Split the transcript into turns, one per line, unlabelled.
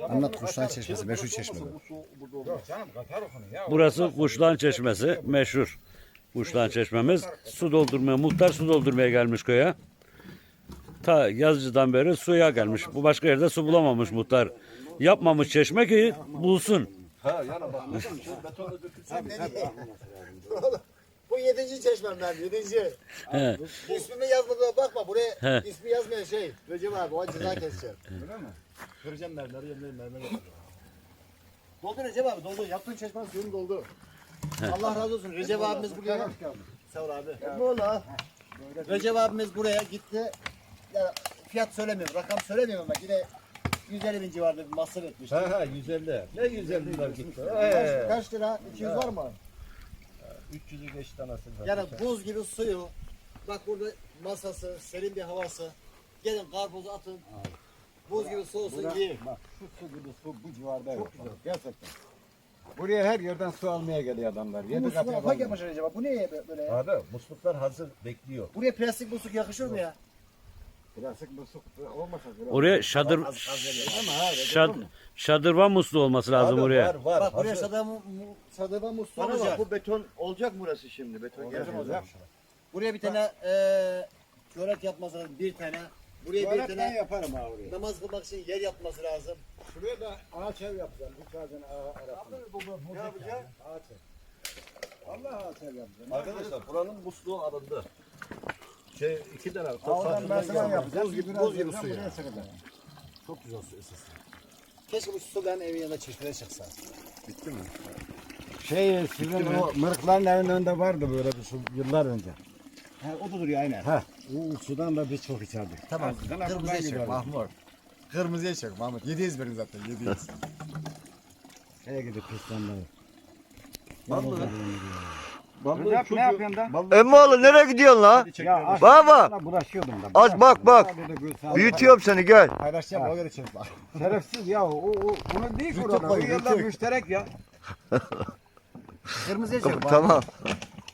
Anlat Kuşlar Çeşmesi, meşhur çeşme.
Burası Kuşlan Çeşmesi, meşhur Kuşlan Çeşmemiz. Su doldurmaya, muhtar su doldurmaya gelmiş köye. Ta Yazıcı'dan beri suya gelmiş. Bu başka yerde su bulamamış muhtar. Yapmamış çeşme ki bulsun.
Bu 7. çeşmem ben, 7.
He.
İsmimi yazmadığına bakma, buraya
He.
ismi yazmayan şey. Recep abi, o ceza keseceğim. Öyle mi? Kıracağım mermeri, yemeğim mermeri. Doldu Recep abi, doldu. Yaptığın çeşmenin suyunu doldu. Allah razı olsun. Recep abimiz buraya. Sağ ol abi. Ne ola? Recep abimiz buraya gitti. Ya, fiyat söylemiyorum, rakam söylemiyorum ama yine 150 bin civarında bir masraf etmiş.
Ha 150. Ne 150 lira gitti?
Kaç lira? 200 var mı?
300'ü geçti anasını.
Yani buz gibi suyu. Bak burada masası, serin bir havası. Gelin karpuzu atın. Buz gibi su olsun yiyin.
Bak şu su gibi su bu civarda yok. Çok güzel. Gerçekten. Buraya her yerden su almaya geliyor adamlar.
Bu
Yedi
musluk
kapıya
ufak yapmış acaba. Bu niye böyle ya?
Abi musluklar hazır bekliyor.
Buraya plastik musluk yakışır mı ya?
Plastik musluk olmasa.
Oraya şadırvan musluğu olması lazım
Abi,
oraya.
var
Bak buraya
hazır.
sadaba musluğu
Bana bak
olacak.
bu beton olacak mı burası şimdi? Beton
Olacak. Buraya bir tane çörek yapması lazım. Bir tane. Buraya bir
Ben
tane
yaparım ha oraya.
namaz kılmak için yer yapması lazım.
Şuraya da ağaç ev yapacağım. Bir tane arasında.
Ne yapacağız?
Ağaç ev. Allah ağaç ev yapacağım.
Arkadaşlar buranın musluğu alındı. 2 tane.
Oradan ben sana yapacağım.
Buz gibi su ya. Çok güzel su esas. Keşke bu su benim evin yanında çeşmeye çıksa.
Sizin o mırıkların evinin önünde vardı böyle bir su yıllar önce.
He, o da duruyor aynen.
Ha, o sudan da biz çok içerdik.
Tamam.
Eskiden
Kırmızıya
buradan
çek
giderdik.
Mahmut. Kırmızıya çek Mahmut. 700 verin zaten 700.
Şeye gidip pistanları.
Recep
ne yapıyorsun da?
Emmoğlu nereye gidiyorsun la?
Ya
Baba
bulaşıyordum da.
az bak. Büyütüyorum seni gel.
Paylaşacağım o göre çek bak.
Şerefsiz ya onu değil ki orada. O yerler müşterek ya.
Kırmızıya çek.
Tamam.